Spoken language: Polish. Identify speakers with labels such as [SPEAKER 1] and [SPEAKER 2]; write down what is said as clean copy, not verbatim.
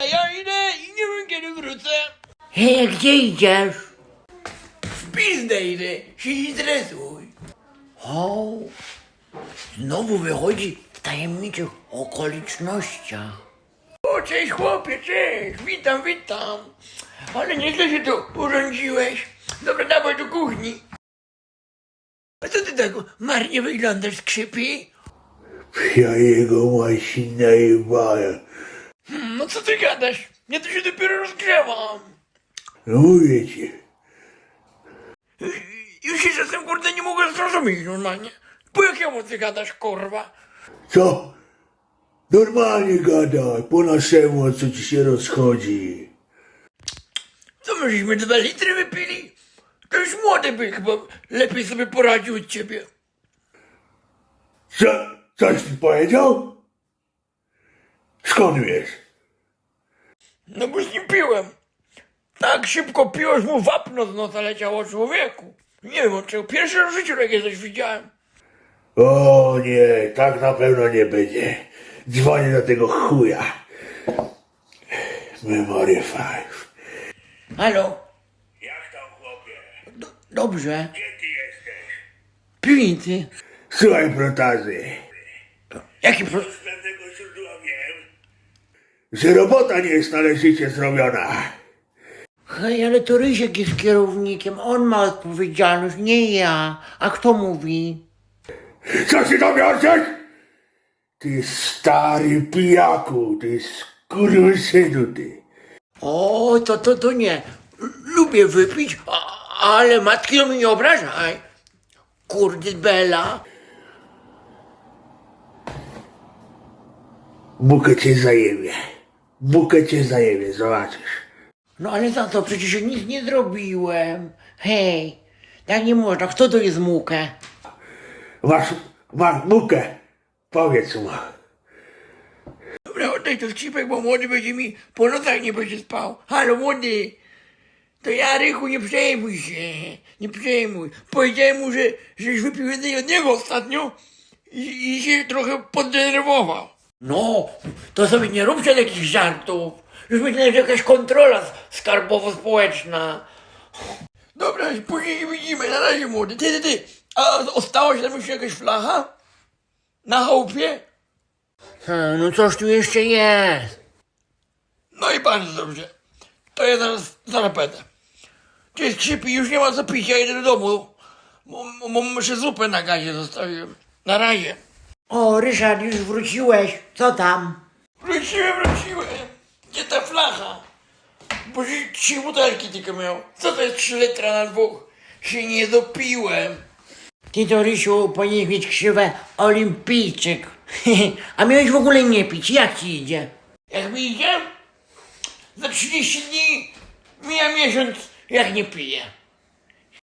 [SPEAKER 1] A ja idę i nie wiem kiedy wrócę.
[SPEAKER 2] Hej, gdzie idziesz?
[SPEAKER 1] W pizdę idę, się nie stresuj.
[SPEAKER 2] O, znowu wychodzi w tajemniczych okolicznościach.
[SPEAKER 1] O, cześć chłopie, cześć, witam. Ale nieźle się tu urządziłeś. Dobra, dawaj do kuchni. A co ty tak marnie wyglądasz, Skrzypi?
[SPEAKER 3] Ja jego właśnie najebałem.
[SPEAKER 1] No co ty gadasz? Ja tu się dopiero rozgrzewam.
[SPEAKER 3] No mówię ci.
[SPEAKER 1] Już się czasem, kurde, nie mogę zrozumieć normalnie. Po jakiemu ty gadasz, kurwa?
[SPEAKER 3] Co? Normalnie gadaj, po naszemu, o co ci się rozchodzi.
[SPEAKER 1] Co my żeśmy 2 litry wypili? To już młody by chyba lepiej sobie poradził od ciebie.
[SPEAKER 3] Co? Coś ty powiedział? Skąd wiesz?
[SPEAKER 1] No bo z nim piłem. Tak szybko piłeś, mu wapno z nosa leciało, człowieku. Nie wiem od czego. Pierwszy raz w życiu takie coś widziałem.
[SPEAKER 3] O nie, tak na pewno nie będzie. Dzwonię do tego chuja. Memory 5.
[SPEAKER 2] Halo?
[SPEAKER 3] Jak tam, chłopie?
[SPEAKER 2] Dobrze.
[SPEAKER 3] Gdzie ty jesteś?
[SPEAKER 2] W piwnicy.
[SPEAKER 3] Słuchaj, protazy.
[SPEAKER 1] Jaki
[SPEAKER 3] Z pewnego źródła wiem, że robota nie jest należycie zrobiona.
[SPEAKER 2] Hej, ale to Rysiek jest kierownikiem. On ma odpowiedzialność, nie ja. A kto mówi?
[SPEAKER 3] Co się dowiadujesz? Ty stary pijaku, ty skurwysynu, ty.
[SPEAKER 2] O, to nie. Lubię wypić, ale matki mi nie obrażaj. Kurde bela.
[SPEAKER 3] Bukę cię zajebie. Bukę cię zajebie, zobaczysz.
[SPEAKER 2] No ale za to przecież ja nic nie zrobiłem. Hej, tak nie można. Kto to jest mukę?
[SPEAKER 3] Masz bukę. Powiedz mu.
[SPEAKER 1] Dobra, oddaj to Skrzypek, bo młody będzie mi po nocach nie będzie spał. Halo, młody. To ja, Rychu, nie przejmuj się. Nie przejmuj. Powiedziałem mu, żeś wypił więcej od niego ostatnio i się trochę poddenerwował.
[SPEAKER 2] No, to sobie nie róbcie takich żartów. Już myślałem, że jakaś kontrola skarbowo-społeczna.
[SPEAKER 1] Dobra, później się widzimy. Na razie, młody. Ty. A ostała się tam jeszcze jakaś flacha? Na chałupie?
[SPEAKER 2] No coś tu jeszcze jest.
[SPEAKER 1] No i bardzo dobrze. To ja zaraz będę. Cześć, Skrzypi, już nie ma co pić, ja idę do domu. Muszę zupę na gazie zostawiłem. Na razie.
[SPEAKER 2] O, Ryszard, już wróciłeś. Co tam?
[SPEAKER 1] Wróciłem. Gdzie ta flacha? Bo 3 butelki tylko miał. Co to jest 3 litra na 2? Się nie dopiłem.
[SPEAKER 2] Ty to, Rysiu, powinieneś mieć krzywę olimpijczyk. A miałeś w ogóle nie pić. Jak ci idzie?
[SPEAKER 1] Jak mi idzie? Za 30 dni mija miesiąc, jak nie piję.